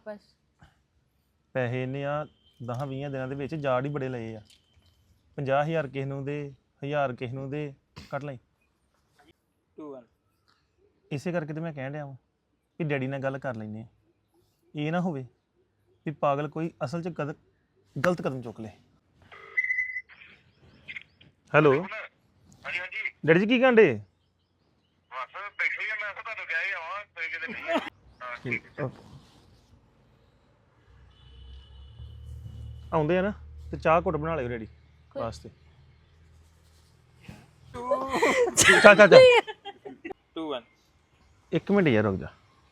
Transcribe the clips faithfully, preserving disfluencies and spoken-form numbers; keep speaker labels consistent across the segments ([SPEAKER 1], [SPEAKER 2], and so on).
[SPEAKER 1] ਵਾਪਸ
[SPEAKER 2] ਪੈਸੇ ਇਹਨੇ ਆ ਦਸ ਵੀਹ ਦਿਨਾਂ ਦੇ ਵਿੱਚ ਜਾੜ ਹੀ ਬੜੇ ਲਏ ਆ ਪੰਜਾਹ ਹਜ਼ਾਰ ਕਿਸੇ ਨੂੰ ਦੇ ਹਜ਼ਾਰ ਕਿਸੇ ਨੂੰ ਦੇ ਕੱਟ ਲਈ
[SPEAKER 3] ਟੂ ਵਨ
[SPEAKER 2] ਇਸੇ ਕਰਕੇ ਤੇ ਮੈਂ ਕਹਿਣ ਡਿਆ ਵਾਂ ਕਿ ਡੈਡੀ ਨਾਲ ਗੱਲ ਕਰ ਲੈਂਦੇ ਆ ਇਹ ਨਾ ਹੋਵੇ ਵੀ ਪਾਗਲ ਕੋਈ ਅਸਲ 'ਚ ਕਦ ਗਲਤ ਕਦਮ ਚੁੱਕ ਲੇ ਹੈਲੋ
[SPEAKER 4] ਹਾਂਜੀ ਹਾਂਜੀ
[SPEAKER 2] ਡੈਡੀ ਜੀ ਕੀ ਕਹਿੰਦੇ
[SPEAKER 4] ਬਸ ਬੈਠੇ ਹੀ ਆ ਮੈਂ ਤਾਂ ਤੁਹਾਨੂੰ ਕਿਹਾ ਹੀ ਆਵਾਂ ਕੋਈ ਕਿਤੇ ਨਹੀਂ ਹਾਂ ਠੀਕ ਹੈ
[SPEAKER 2] ਆਉਂਦੇ ਆ ਨਾ ਤੇ ਚਾਹ ਘੁੱਟ ਬਣਾ ਲਿਓ ਡੈਡੀ ਵਾਸਤੇ ਚਾ ਚਾ ਚਾ
[SPEAKER 3] ਟੂ ਵਨ
[SPEAKER 2] ਇੱਕ ਮਿੰਟ ਯਾਰ ਰੁਕ ਜਾ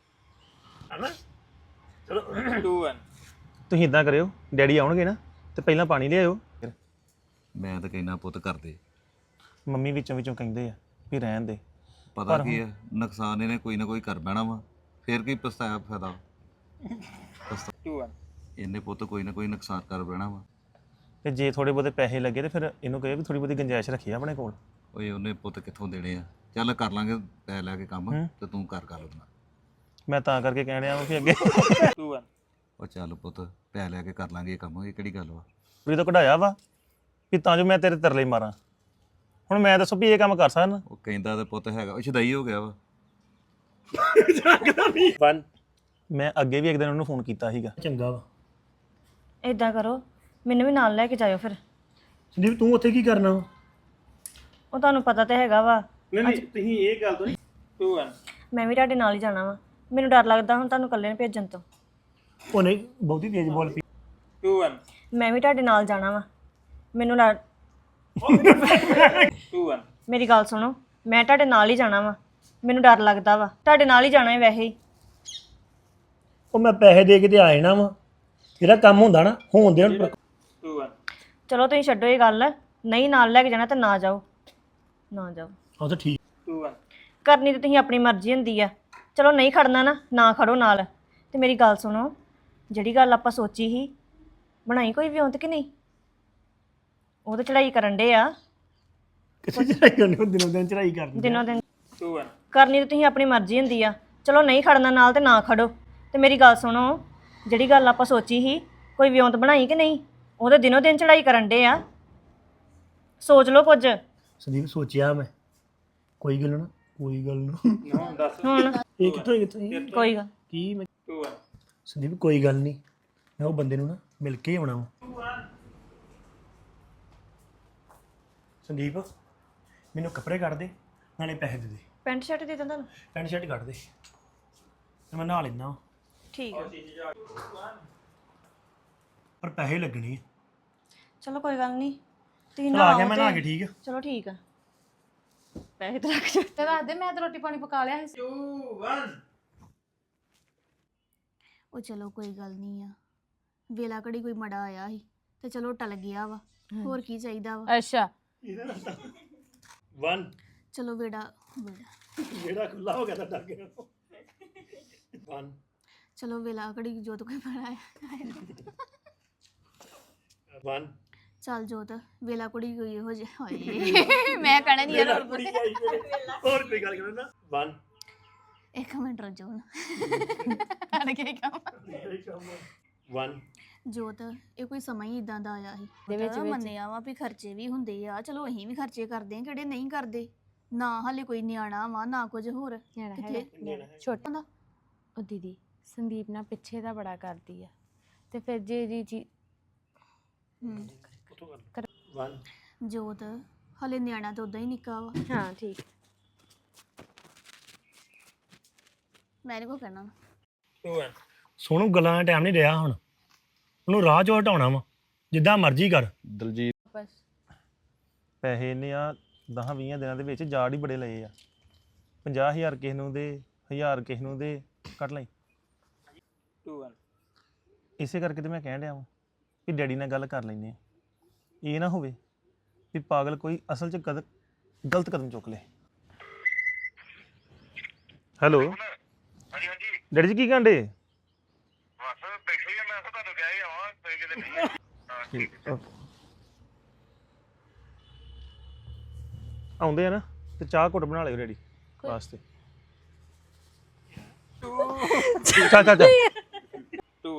[SPEAKER 3] ਟੂ ਵਨ
[SPEAKER 2] ਤੁਸੀਂ ਇਦਾਂ ਕਰਿਓ ਡੈਡੀ ਆਉਣਗੇ ਨਾ ਤੇ ਪਹਿਲਾਂ ਪਾਣੀ ਲਿਆਇਓ
[SPEAKER 5] ਮੈਂ ਤਾਂ ਕਹਿਣਾ ਪੁੱਤ ਕਰਦੇ
[SPEAKER 2] ਮੰਮੀ ਵਿੱਚੋਂ ਵਿੱਚੋਂ ਕਹਿੰਦੇ ਆ ਵੀ ਰਹਿਣ ਦੇ
[SPEAKER 5] ਪਤਾ ਕੀ ਹੈ ਨੁਕਸਾਨ ਇਹਨੇ ਕੋਈ ਨਾ ਕੋਈ ਕਰ ਬਹਿਣਾ ਵਾ ਫੇਰ ਕੀ ਪਛਤਾਇਆ ਫਾਇਦਾ
[SPEAKER 3] ਟੂ ਵਨ
[SPEAKER 5] ਇਹਨੇ ਪੁੱਤ ਕੋਈ ਨਾ ਕੋਈ ਨੁਕਸਾਨ ਕਰ ਬਹਿਣਾ ਵਾ
[SPEAKER 2] ਤੇ ਜੇ ਥੋੜੇ ਬਹੁਤੇ ਪੈਸੇ ਲੱਗੇ ਤੇ ਫਿਰ ਇਹਨੂੰ ਕਹੇ ਵੀ ਥੋੜੀ ਬਹੁਤੀ ਗੁੰਜਾਇਸ਼ ਰੱਖੀ ਆਪਣੇ ਕੋਲ
[SPEAKER 5] ਓਏ ਉਹਨੇ ਪੁੱਤ ਕਿੱਥੋਂ ਦੇਣੇ ਆ ਚੱਲ ਕਰ ਲਾਂਗੇ ਪੈ ਲੈ ਕੇ ਕੰਮ ਤੇ ਤੂੰ ਕਰ ਕਰ ਉਹਦਾ
[SPEAKER 2] ਮੈਂ ਤਾਂ ਕਰਕੇ ਕਹਿਣ ਡਿਆ ਵਾਂ ਵੀ ਅੱਗੇ
[SPEAKER 3] ਟੂ ਵਨ
[SPEAKER 5] ਉਹ ਚੱਲ ਪੁੱਤ ਪੈ ਲੈ ਕੇ ਕਰ ਲਾਂਗੇ ਇਹ ਕੰਮ ਇਹ ਕਿਹੜੀ ਗੱਲ ਵਾ
[SPEAKER 2] ਵੀ ਤਾਂ ਕਢਾਇਆ ਵਾ ਵੀ ਤਾਂ ਜੋ ਮੈਂ ਤੇਰੇ ਤਰਲੇ ਮਾਰਾਂ ਹੁਣ ਮੈਂ ਦੱਸੋ ਵੀ ਇਹ ਕੰਮ ਕਰ ਸਕਦਾ
[SPEAKER 5] ਉਹ ਕਹਿੰਦਾ ਤੇ ਪੁੱਤ ਹੈਗਾ ਉਹ ਛਦਾਈ ਹੋ ਗਿਆ ਵਾ
[SPEAKER 2] ਵਨ ਮੈਂ ਅੱਗੇ ਵੀ ਇੱਕ ਦਿਨ ਉਹਨੂੰ ਫੋਨ ਕੀਤਾ ਸੀਗਾ
[SPEAKER 6] ਚੰਗਾ ਵਾ
[SPEAKER 7] ਇਦਾਂ ਕਰੋ ਮੈਨੂੰ ਵੀ ਨਾਲ ਲੈ ਕੇ ਜਾਇਓ ਫਿਰ
[SPEAKER 6] ਸੰਦੀਪ ਤੂੰ ਉੱਥੇ ਕੀ ਕਰਨਾ ਵਾ
[SPEAKER 7] ਉਹ ਤੁਹਾਨੂੰ ਪਤਾ ਤਾਂ ਹੈਗਾ ਵਾ
[SPEAKER 6] ਨਹੀਂ ਨਹੀਂ ਤੁਸੀਂ ਇਹ ਗੱਲ ਤੋਂ ਨਹੀਂ
[SPEAKER 3] ਟੂ ਵਨ
[SPEAKER 7] ਮੈਂ ਵੀ ਤੁਹਾਡੇ ਨਾਲ ਹੀ ਜਾਣਾ ਵਾ ਮੈਨੂੰ ਡਰ ਲੱਗਦਾ ਹੁਣ ਤੁਹਾਨੂੰ ਇਕੱਲੇ ਨੂੰ ਭੇਜਣ ਤੋਂ
[SPEAKER 6] ਉਹ ਨਹੀਂ ਬਹੁਤੀ ਤੇਜ਼ ਬੋਲ ਪਈ
[SPEAKER 3] ਟੂ ਵਨ
[SPEAKER 7] ਮੈਂ ਵੀ ਤੁਹਾਡੇ ਨਾਲ ਜਾਣਾ ਵਾ ਮੈਨੂੰ ਡਰ
[SPEAKER 3] ਟੂ ਵਨ
[SPEAKER 7] ਮੇਰੀ ਗੱਲ ਸੁਣੋ ਮੈਂ ਤੁਹਾਡੇ ਨਾਲ ਹੀ ਜਾਣਾ ਵਾ ਮੈਨੂੰ ਡਰ ਲੱਗਦਾ ਵਾ ਤੁਹਾਡੇ ਨਾਲ ਹੀ ਜਾਣਾ ਹੈ ਵੈਸੇ ਹੀ
[SPEAKER 6] ਉਹ ਮੈਂ ਪੈਸੇ ਦੇ ਕੇ ਤੇ ਆ ਜਾਣਾ ਵਾ ਜਿਹੜਾ ਕੰਮ ਹੁੰਦਾ ਨਾ ਹੋਣ ਦੇ ਹੁਣ
[SPEAKER 3] ਟੂ ਵਨ
[SPEAKER 7] ਚਲੋ ਤੁਸੀਂ ਛੱਡੋ ਇਹ ਗੱਲ ਨਹੀਂ ਨਾਲ ਲੈ ਕੇ ਜਾਣਾ ਤਾਂ ਨਾ ਜਾਓ ਨਾ ਜਾਓ
[SPEAKER 6] ਉਹ ਤਾਂ ਠੀਕ
[SPEAKER 3] ਟੂ ਵਨ
[SPEAKER 7] ਕਰਨੀ ਤਾਂ ਤੁਸੀਂ ਆਪਣੀ ਮਰਜ਼ੀ ਹੁੰਦੀ ਆ ਚਲੋ ਨਹੀਂ ਖੜਨਾ ਨਾ ਨਾ ਖੜੋ ਨਾਲ ਤੇ ਮੇਰੀ ਗੱਲ ਸੁਣੋ ਜਿਹੜੀ ਗੱਲ ਆਪਾਂ ਸੋਚੀ ਸੀ ਬਣਾਈ ਕੋਈ ਵਿਉਂਤ ਕਿ ਨਹੀਂ ਉਹ ਤਾਂ ਚੜਾਈ ਕਰਨ ਡੇ ਆ
[SPEAKER 6] ਕਿਸੇ ਚੜਾਈ ਕਰਨੀ ਹੁੰਦੀ ਦਿਨੋਂ ਦਿਨ ਚੜਾਈ ਕਰਨੀ
[SPEAKER 7] ਦਿਨੋਂ ਦਿਨ
[SPEAKER 3] ਟੂ ਵਨ
[SPEAKER 7] ਕਰਨੀ ਤਾਂ ਤੁਸੀਂ ਆਪਣੀ ਮਰਜ਼ੀ ਹੁੰਦੀ ਆ ਚਲੋ ਨਹੀਂ ਖੜਨਾ ਨਾਲ ਤੇ ਨਾ ਖੜੋ ਤੇ ਮੇਰੀ ਗੱਲ ਸੁਣੋ ਜਿਹੜੀ ਗੱਲ ਆਪਾਂ ਸੋਚੀ ਸੀ ਕੋਈ ਵਿਉਂਤ ਬਣਾਈ ਕਿ ਨਹੀਂ ਉਹ ਤਾਂ ਦਿਨੋਂ ਦਿਨ ਚੜਾਈ ਕਰਨ ਡੇ ਆ ਸੋਚ ਲਓ ਕੁਝ
[SPEAKER 6] ਸੰਦੀਪ ਸੋਚਿਆ ਮੈਂ ਕੋਈ ਗੱਲ ਨਾ ਕੋਈ ਗੱਲ ਨਾ
[SPEAKER 3] ਨੌ ਦਸ
[SPEAKER 7] ਹੁਣ
[SPEAKER 6] ਇਹ ਕਿੱਥੋਂ ਕਿੱਥੋਂ ਇਹ?
[SPEAKER 7] ਕੋਈ ਗੱਲ
[SPEAKER 6] ਕੀ ਮੈਂ
[SPEAKER 3] ਟੂ ਵਨ
[SPEAKER 6] ਸੰਦੀਪ ਕੋਈ ਗੱਲ ਨਹੀਂ ਮੈਂ ਉਹ ਬੰਦੇ ਨੂੰ ਨਾ ਮਿਲ ਕੇ ਹੀ ਆਉਣਾ ਵਾ ਸੰਦੀਪ ਮੈਨੂੰ ਕੱਪੜੇ ਕੱਢ ਦੇ ਨਾਲੇ ਪੈਸੇ ਦੇ ਦੇ
[SPEAKER 7] ਪੈਂਟ ਸ਼ਰਟ ਦੇ ਦਾਂ ਤੁਹਾਨੂੰ
[SPEAKER 6] ਪੈਂਟ ਸ਼ਰਟ ਕੱਢ ਦੇ ਤੇ ਮੈਂ ਨਹਾ ਲੈਣਾ
[SPEAKER 7] ਠੀਕ ਆ
[SPEAKER 6] ਪਰ ਪੈਸੇ ਲੱਗਣੇ ਆ
[SPEAKER 7] ਚਲੋ ਕੋਈ ਗੱਲ ਨਹੀਂ ਤੁਸੀਂ
[SPEAKER 6] ਚਲ
[SPEAKER 7] ਨਾ
[SPEAKER 6] ਆ ਗਿਆ ਮੈਂ ਨਹਾ ਕੇ ਠੀਕ ਆ
[SPEAKER 7] ਚਲੋ ਠੀਕ ਆ ਪੈਸੇ ਤੇ ਰੱਖ ਜਾ
[SPEAKER 1] ਤੇ ਦੱਸ ਦੇ ਮੈਂ ਤਾਂ ਰੋਟੀ ਪਾਣੀ ਪਕਾ ਲਿਆ ਸੀ
[SPEAKER 3] ਟੂ ਵਨ
[SPEAKER 8] ਉਹ ਚਲੋ ਕੋਈ ਗੱਲ ਨਹੀਂ ਆ ਵੇਲਾ ਘੜੀ ਕੋਈ ਮੜਾ ਆਇਆ ਸੀ ਤੇ ਚਲੋ ਟਲ ਗਿਆ ਵਾ ਹੋਰ ਕੀ ਚਾਹੀਦਾ ਵਾ
[SPEAKER 1] ਅੱਛਾ
[SPEAKER 6] ਵਨ
[SPEAKER 8] ਚਲੋ ਵੇੜਾ ਵੇੜਾ
[SPEAKER 6] ਜਿਹੜਾ ਖੁੱਲਾ ਹੋ ਗਿਆ ਤਾਂ ਡਰ ਗਿਆ ਵਨ
[SPEAKER 8] ਚਲੋ ਵੇਲਾ ਘੜੀ ਜੋਤ ਕੋਈ ਮੜਾ ਆਇਆ
[SPEAKER 6] ਵਨ
[SPEAKER 8] ਚੱਲ ਜੋਤ ਵੇਲਾ ਕੁੜੀ ਕੋਈ ਇਹੋ ਜਿਹਾ ਹੋਏ ਮੈਂ ਕਹਿਣਾ ਨਹੀਂ ਯਾਰ ਹੋਰ
[SPEAKER 6] ਕੁੜੀ ਆਈ ਮੇਰੇ। ਹੋਰ ਕੋਈ ਗੱਲ ਕਰੋ ਨਾ ਵਨ
[SPEAKER 8] ਇੱਕ ਮਿੰਟ ਰੁਕ ਜਾਓ ਅੜ ਕੇ ਕੰਮ
[SPEAKER 6] ਵਨ
[SPEAKER 8] ਜੋਤ ਇਹ ਕੋਈ ਸਮਾਂ ਹੀ ਇਦਾਂ ਦਾ ਆਇਆ ਸੀ ਦੇ ਵਿੱਚ ਮੰਨਿਆ ਵਾ ਵੀ ਖਰਚੇ ਵੀ ਹੁੰਦੇ ਆ ਚਲੋ ਅਸੀਂ ਵੀ ਖਰਚੇ ਕਰਦੇ ਆ ਕਿਹੜੇ ਨਹੀਂ ਕਰਦੇ ਨਾ ਹਾਲੇ ਕੋਈ ਨਿਆਣਾ ਵਾ ਨਾ ਕੁਝ ਹੋਰ ਕਿੱਥੇ
[SPEAKER 1] ਛੋਟਾ ਦਾ ਉਹ ਦੀਦੀ ਸੰਦੀਪ ਨਾਲ ਪਿੱਛੇ ਦਾ ਬੜਾ ਕਰਦੀ ਆ ਤੇ ਫਿਰ ਜੇ ਜੀ ਜੀ
[SPEAKER 8] ਹੂੰ
[SPEAKER 6] ਵਨ
[SPEAKER 8] ਜੋਤ ਹਾਲੇ ਨਿਆਣਾ ਤਾਂ ਉਦਾਂ ਹੀ ਨਿੱਕਾ ਵਾ
[SPEAKER 1] ਹਾਂ ਠੀਕ
[SPEAKER 8] ਮੈਂ ਇਹਨੂੰ ਕੋ ਕਹਿਣਾ
[SPEAKER 3] ਟੂ ਵਨ
[SPEAKER 6] ਸੋਨੂੰ ਗੱਲਾਂ ਦਾ ਟਾਈਮ ਨਹੀਂ ਰਿਹਾ ਹੁਣ ਉਹਨੂੰ ਰਾਹ ਚੋਂ ਹਟਾਉਣਾ ਵਾ ਜਿੱਦਾਂ ਮਰਜ਼ੀ ਕਰ
[SPEAKER 2] ਦਲਜੀਤ
[SPEAKER 1] ਵਾਪਸ
[SPEAKER 2] ਪੈਸੇ ਇਹਨੇ ਆ ਦਸ ਵੀਹ ਦਿਨਾਂ ਦੇ ਵਿੱਚ ਜਾੜ ਹੀ ਬੜੇ ਲਏ ਆ ਪੰਜਾਹ ਹਜ਼ਾਰ ਕਿਸੇ ਨੂੰ ਦੇ ਹਜ਼ਾਰ ਕਿਸੇ ਨੂੰ ਦੇ ਕੱਟ ਲਈ
[SPEAKER 3] ਟੂ ਵਨ
[SPEAKER 2] ਇਸੇ ਕਰਕੇ ਤੇ ਮੈਂ ਕਹਿਣ ਡਿਆ ਵਾਂ ਵੀ ਡੈਡੀ ਨਾਲ ਗੱਲ ਕਰ ਲੈਂਦੇ ਆ ਇਹ ਨਾ ਹੋਵੇ ਵੀ ਪਾਗਲ ਕੋਈ ਅਸਲ 'ਚ ਕਦ ਗਲਤ ਕਦਮ ਚੁੱਕ ਲੇ ਹੈਲੋ
[SPEAKER 4] ਹਾਂਜੀ ਹਾਂਜੀ
[SPEAKER 2] ਡੈਡੀ ਜੀ ਕੀ ਕਹਿੰਦੇ
[SPEAKER 4] ਬਸ ਬੈਠੇ ਹੀ ਆ ਮੈਂ ਤਾਂ ਤੁਹਾਨੂੰ ਕਿਹਾ ਹੀ ਆਵਾਂ ਕੋਈ ਕਿਤੇ ਨਹੀਂ ਹਾਂ ਠੀਕ ਹੈ
[SPEAKER 2] ਆਉਂਦੇ ਆ ਨਾ ਤੇ ਚਾਹ ਘੁੱਟ ਬਣਾ ਲਿਓ ਡੈਡੀ ਵਾਸਤੇ ਚਾ ਚਾ ਚਾ
[SPEAKER 3] ਟੂ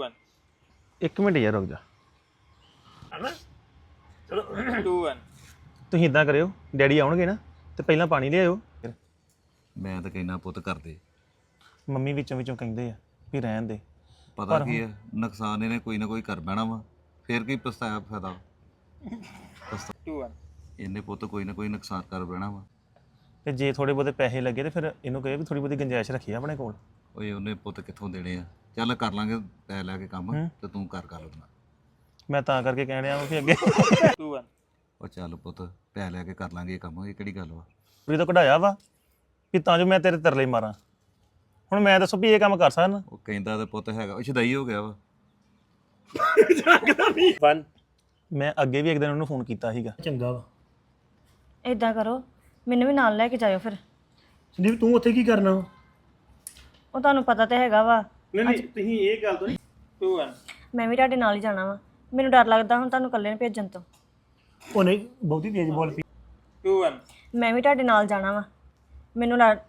[SPEAKER 2] ਇੱਕ ਮਿੰਟ ਯਾਰ ਰੁਕ ਜਾ।
[SPEAKER 6] ਹਨਾ ਚਲੋ
[SPEAKER 3] two one
[SPEAKER 2] ਤੁਸੀਂ ਇਦਾਂ ਕਰਿਓ, ਡੈਡੀ ਆਉਣਗੇ ਨਾ ਤੇ ਪਹਿਲਾਂ ਪਾਣੀ ਲਿਆਇਓ। ਫਿਰ
[SPEAKER 5] ਮੈਂ ਤਾਂ ਕਹਿਣਾ ਪੁੱਤ ਕਰਦੇ
[SPEAKER 2] ਮੰਮੀ ਵਿੱਚੋਂ ਵਿੱਚੋਂ ਕਹਿੰਦੇ ਆ ਵੀ ਰਹਿਣ ਦੇ।
[SPEAKER 5] ਪਤਾ ਕੀ ਹੈ ਨੁਕਸਾਨ ਇਹਨੇ ਕੋਈ ਨਾ ਕੋਈ ਕਰ ਬਹਿਣਾ ਵਾ ਫਿਰ ਕੀ ਪਛਤਾਇਆ ਫਾਇਦਾ
[SPEAKER 3] two one
[SPEAKER 5] ਇਹਨੇ ਪੁੱਤ ਕੋਈ ਨਾ ਕੋਈ ਨੁਕਸਾਨ ਕਰ ਬਹਿਣਾ ਵਾ
[SPEAKER 2] ਤੇ ਜੇ ਥੋੜੇ ਬਹੁਤੇ ਪੈਸੇ ਲੱਗੇ ਤੇ ਫਿਰ ਇਹਨੂੰ ਕਹੇ ਵੀ ਥੋੜੀ ਬਹੁਤੀ ਗੁੰਜਾਇਸ਼ ਰੱਖੀ ਆਪਣੇ ਕੋਲ।
[SPEAKER 5] ਓਏ ਉਹਨੇ ਪੁੱਤ ਕਿੱਥੋਂ ਦੇਣੇ ਆ ਚੱਲ ਕਰ ਲਾਂਗੇ ਪੈ ਲੈ ਕੇ ਕੰਮ ਤੇ ਤੂੰ ਕਰ ਕਰ ਲੈਣਾ
[SPEAKER 2] ਮੈਂ ਤਾਂ ਕਰਕੇ ਕਹਿਣ ਡਿਆ ਵਾਂ ਵੀ ਅੱਗੇ
[SPEAKER 3] two one
[SPEAKER 5] ਉਹ ਚੱਲ ਪੁੱਤ ਪੈ ਲੈ ਕੇ ਕਰ ਲਾਂਗੇ ਇਹ ਕੰਮ ਇਹ ਕਿਹੜੀ ਗੱਲ ਵਾ
[SPEAKER 2] ਵੀ ਤਾਂ ਕਢਾਇਆ ਵਾ ਵੀ ਤਾਂ ਜੋ ਮੈਂ ਤੇਰੇ ਤਰਲੇ ਮਾਰਾਂ। ਹੁਣ ਮੈਂ ਦੱਸੋ ਵੀ ਇਹ ਕੰਮ ਕਰ ਸਕਦਾ?
[SPEAKER 5] ਉਹ ਕਹਿੰਦਾ ਤੇ ਪੁੱਤ ਹੈਗਾ ਉਹ ਛਦਾਈ ਹੋ ਗਿਆ ਵਾ
[SPEAKER 6] ਵਨ
[SPEAKER 2] ਮੈਂ ਅੱਗੇ ਵੀ ਇੱਕ ਦਿਨ ਉਹਨੂੰ ਫੋਨ ਕੀਤਾ ਸੀਗਾ।
[SPEAKER 6] ਚੰਗਾ ਵਾ
[SPEAKER 7] ਇਦਾਂ ਕਰੋ ਮੈਨੂੰ ਵੀ ਨਾਲ ਲੈ ਕੇ ਜਾਇਓ ਫਿਰ।
[SPEAKER 6] ਸੰਦੀਪ ਤੂੰ ਉੱਥੇ ਕੀ ਕਰਨਾ ਵਾ?
[SPEAKER 7] ਉਹ ਤੁਹਾਨੂੰ ਪਤਾ ਤੇ ਹੈਗਾ ਵਾ
[SPEAKER 6] ਨਹੀਂ ਨਹੀਂ ਤੁਸੀਂ ਇਹ ਗੱਲ ਤੋਂ ਨਹੀਂ
[SPEAKER 3] two one
[SPEAKER 7] ਮੈਂ ਵੀ ਤੁਹਾਡੇ ਨਾਲ ਹੀ ਜਾਣਾ ਵਾ। ਮੈਨੂੰ ਡਰ ਲੱਗਦਾ ਹੁਣ ਤੁਹਾਨੂੰ ਇਕੱਲੇ ਨੂੰ ਭੇਜਣ ਤੋਂ।
[SPEAKER 6] ਉਹ ਨਹੀਂ ਬਹੁਤੀ ਤੇਜ਼ ਬੋਲ ਪਈ।
[SPEAKER 3] two one
[SPEAKER 7] ਮੈਂ ਵੀ ਤੁਹਾਡੇ ਨਾਲ ਜਾਣਾ ਵਾ। ਮੈਨੂੰ ਡਰ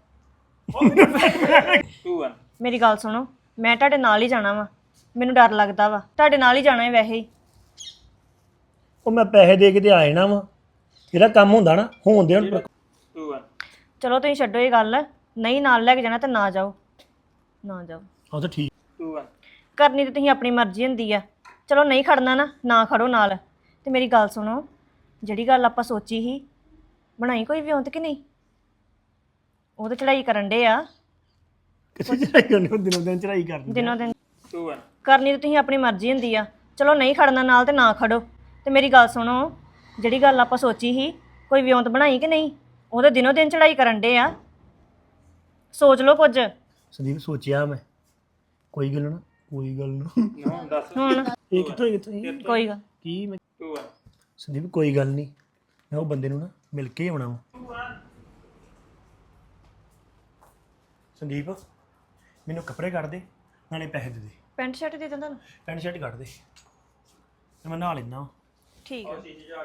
[SPEAKER 3] two one
[SPEAKER 7] ਮੇਰੀ ਗੱਲ ਸੁਣੋ ਮੈਂ ਤੁਹਾਡੇ ਨਾਲ ਹੀ ਜਾਣਾ ਵਾ। ਮੈਨੂੰ ਡਰ ਲੱਗਦਾ ਵਾ ਤੁਹਾਡੇ ਨਾਲ ਹੀ ਜਾਣਾ ਹੈ ਵੈਸੇ ਹੀ।
[SPEAKER 6] ਉਹ ਮੈਂ ਪੈਸੇ ਦੇ ਕੇ ਤੇ ਆ ਜਾਣਾ ਵਾ, ਜਿਹੜਾ ਕੰਮ ਹੁੰਦਾ ਨਾ ਹੋਣ ਦੇ ਹੁਣ।
[SPEAKER 3] two one
[SPEAKER 7] ਚਲੋ ਤੁਸੀਂ ਛੱਡੋ ਇਹ ਗੱਲ, ਨਹੀਂ ਨਾਲ ਲੈ ਕੇ ਜਾਣਾ ਤਾਂ ਨਾ ਜਾਓ, ਨਾ ਜਾਓ।
[SPEAKER 6] ਉਹ ਤਾਂ ਠੀਕ।
[SPEAKER 3] two one
[SPEAKER 7] ਕਰਨੀ ਤਾਂ ਤੁਸੀਂ ਆਪਣੀ ਮਰਜ਼ੀ ਹੁੰਦੀ ਆ। ਚਲੋ ਨਹੀਂ ਖੜਨਾ ਨਾ ਨਾ ਖੜੋ ਨਾਲ। ਤੇ ਮੇਰੀ ਗੱਲ ਸੁਣੋ ਜਿਹੜੀ ਗੱਲ ਆਪਾਂ ਸੋਚੀ ਸੀ ਬਣਾਈ ਕੋਈ ਵਿਉਂਤ ਕਿ ਨਹੀਂ? ਉਹ ਤਾਂ ਚੜਾਈ ਕਰਨ ਡੇ ਆ
[SPEAKER 6] ਕਿਸੇ ਚੜਾਈ ਕਰਨੀ ਉਹ ਦਿਨੋਂ ਦਿਨ ਚੜਾਈ ਕਰਨੀ।
[SPEAKER 7] ਦਿਨੋਂ ਦਿਨ।
[SPEAKER 3] two one
[SPEAKER 7] ਕਰਨੀ ਤਾਂ ਤੁਸੀਂ ਆਪਣੀ ਮਰਜ਼ੀ ਹੁੰਦੀ ਆ। ਚਲੋ ਨਹੀਂ ਖੜਨਾ ਨਾਲ ਤੇ ਨਾ ਖੜੋ। ਤੇ ਮੇਰੀ ਗੱਲ ਸੁਣੋ ਜਿਹੜੀ ਗੱਲ ਆਪਾਂ ਸੋਚੀ ਸੀ ਕੋਈ ਵਿਉਂਤ ਬਣਾਈ ਕਿ ਨਹੀਂ? ਉਹ ਤਾਂ ਦਿਨੋਂ ਦਿਨ ਚੜਾਈ ਕਰਨ ਡੇ ਆ। ਸੋਚ ਲਓ ਕੁਝ
[SPEAKER 6] ਸੰਦੀਪ ਸੋਚਿਆ ਮੈਂ ਕੋਈ ਗੱਲ ਨਾ ਕੋਈ ਗੱਲ ਨਾ
[SPEAKER 3] ਨੌ ਦਸ
[SPEAKER 7] ਹੁਣ।
[SPEAKER 6] ਇਹ ਕਿੱਥੋਂ ਕਿੱਥੋਂ ਇਹ?
[SPEAKER 7] ਕੋਈ ਗੱਲ
[SPEAKER 6] ਕੀ ਮੈਂ
[SPEAKER 3] two one
[SPEAKER 6] ਸੰਦੀਪ ਕੋਈ ਗੱਲ ਨਹੀਂ, ਮੈਂ ਉਹ ਬੰਦੇ ਨੂੰ ਨਾ ਮਿਲ ਕੇ ਹੀ ਆਉਣਾ ਵਾ। ਸੰਦੀਪ ਮੈਨੂੰ ਕੱਪੜੇ ਕੱਢ ਦੇ ਨਾਲੇ ਪੈਸੇ ਦੇ ਦੇ।
[SPEAKER 7] ਪੈਂਟ ਸ਼ਰਟ ਦੇ ਦਿੰਦਾ ਤੁਹਾਨੂੰ।
[SPEAKER 6] ਪੈਂਟ ਸ਼ਰਟ ਕੱਢ ਦੇ ਤੇ ਮੈਂ ਨਹਾ ਲੈਣਾ
[SPEAKER 7] ਠੀਕ ਆ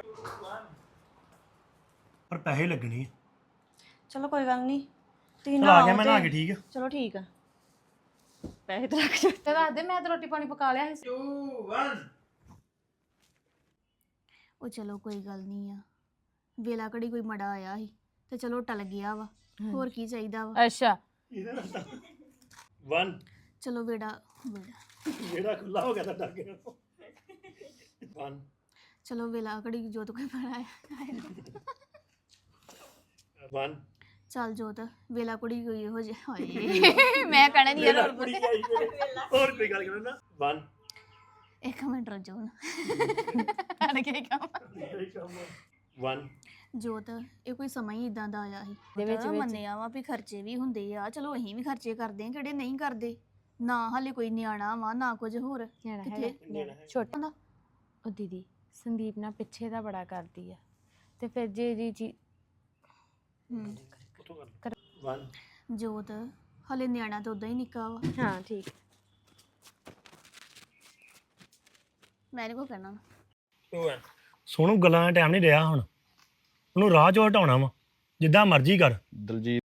[SPEAKER 6] ਪਰ ਪੈਸੇ ਲੱਗਣੇ ਆ।
[SPEAKER 7] ਚਲੋ ਕੋਈ ਗੱਲ ਨਹੀਂ ਤੁਸੀਂ
[SPEAKER 6] ਚਲ
[SPEAKER 7] ਨਾ
[SPEAKER 6] ਆ ਗਿਆ ਮੈਂ ਨਹਾ ਕੇ। ਠੀਕ ਆ
[SPEAKER 7] ਚਲੋ ਠੀਕ ਆ ਪੈਸੇ ਤੇ ਰੱਖ ਜਾ।
[SPEAKER 1] ਤੇ ਦੱਸ ਦੇ ਮੈਂ ਤਾਂ ਰੋਟੀ ਪਾਣੀ ਪਕਾ ਲਿਆ ਸੀ।
[SPEAKER 3] two one
[SPEAKER 8] ਉਹ ਚਲੋ ਕੋਈ ਗੱਲ ਨਹੀਂ ਆ, ਵੇਲਾ ਘੜੀ ਕੋਈ ਮੜਾ ਆਇਆ ਸੀ ਤੇ ਚਲੋ ਟਲ ਗਿਆ ਵਾ, ਹੋਰ ਕੀ ਚਾਹੀਦਾ ਵਾ।
[SPEAKER 1] ਅੱਛਾ
[SPEAKER 6] ਵਨ
[SPEAKER 8] ਚਲੋ ਵੇੜਾ ਵੇੜਾ
[SPEAKER 6] ਜਿਹੜਾ ਖੁੱਲਾ ਹੋ ਗਿਆ ਤਾਂ ਡਰ ਗਿਆ। ਵਨ
[SPEAKER 8] ਚਲੋ ਵੇਲਾ ਘੜੀ ਜੋਤ ਕੋਈ ਮੜਾ ਆਇਆ।
[SPEAKER 6] ਵਨ
[SPEAKER 8] ਚੱਲ ਜੋਤ ਵੇਲਾ ਕੁੜੀ ਕੋਈ ਇਹੋ ਜਿਹਾ ਹੋਏ ਮੈਂ ਕਹਿਣਾ ਨਹੀਂ ਯਾਰ ਹੋਰ
[SPEAKER 6] ਕੁੜੀ ਆਈ ਮੇਰੇ। ਹੋਰ ਕੋਈ ਗੱਲ ਕਰੋ ਨਾ। ਵਨ
[SPEAKER 8] ਇੱਕ ਮਿੰਟ ਰੁਕ ਜਾਓ ਨਾ ਅੜ ਕੇ ਕੰਮ।
[SPEAKER 6] ਵਨ
[SPEAKER 8] ਜੋਤ ਇਹ ਕੋਈ ਸਮਾਂ ਹੀ ਇਦਾਂ ਦਾ ਆਇਆ ਸੀ
[SPEAKER 1] ਦੇ ਵਿੱਚ-
[SPEAKER 8] ਪਤਾ
[SPEAKER 1] ਵਿੱਚ।
[SPEAKER 8] ਮੰਨਿਆ ਵਾ ਵੀ ਖਰਚੇ ਵੀ ਹੁੰਦੇ ਆ, ਚਲੋ ਅਸੀਂ ਵੀ ਖਰਚੇ ਕਰਦੇ ਆ, ਕਿਹੜੇ ਨਹੀਂ ਕਰਦੇ। ਨਾ ਹਾਲੇ ਕੋਈ ਨਿਆਣਾ ਵਾ ਨਾ ਕੁਝ ਹੋਰ
[SPEAKER 1] ਨਿਆਣਾ
[SPEAKER 8] ਕਿੱਥੇ?
[SPEAKER 1] ਹੈਗਾ ਛੋਟਾ ਦਾ। ਉਹ ਦੀਦੀ ਸੰਦੀਪ ਨਾ ਪਿੱਛੇ ਦਾ ਬੜਾ ਕਰਦੀ ਆ ਤੇ ਫਿਰ ਜੇ ਜੀ ਜੀ
[SPEAKER 8] ਹੂੰ
[SPEAKER 6] ਵਨ
[SPEAKER 8] ਜੋਤ ਹਾਲੇ ਨਿਆਣਾ ਤਾਂ ਉਦਾਂ ਹੀ ਨਿੱਕਾ ਵਾ,
[SPEAKER 1] ਹਾਂ ਠੀਕ।
[SPEAKER 8] ਮੈਂ ਨਹੀਂ ਕੋ ਕਹਿਣਾ।
[SPEAKER 3] two one
[SPEAKER 6] ਸੋਨੂੰ ਗੱਲਾਂ ਦਾ ਟਾਈਮ ਨਹੀਂ ਰਿਹਾ ਹੁਣ, ਉਹਨੂੰ ਰਾਹ ਚੋਂ ਹਟਾਉਣਾ ਵਾ ਜਿੱਦਾਂ ਮਰਜ਼ੀ ਕਰ।
[SPEAKER 2] ਦਲਜੀਤ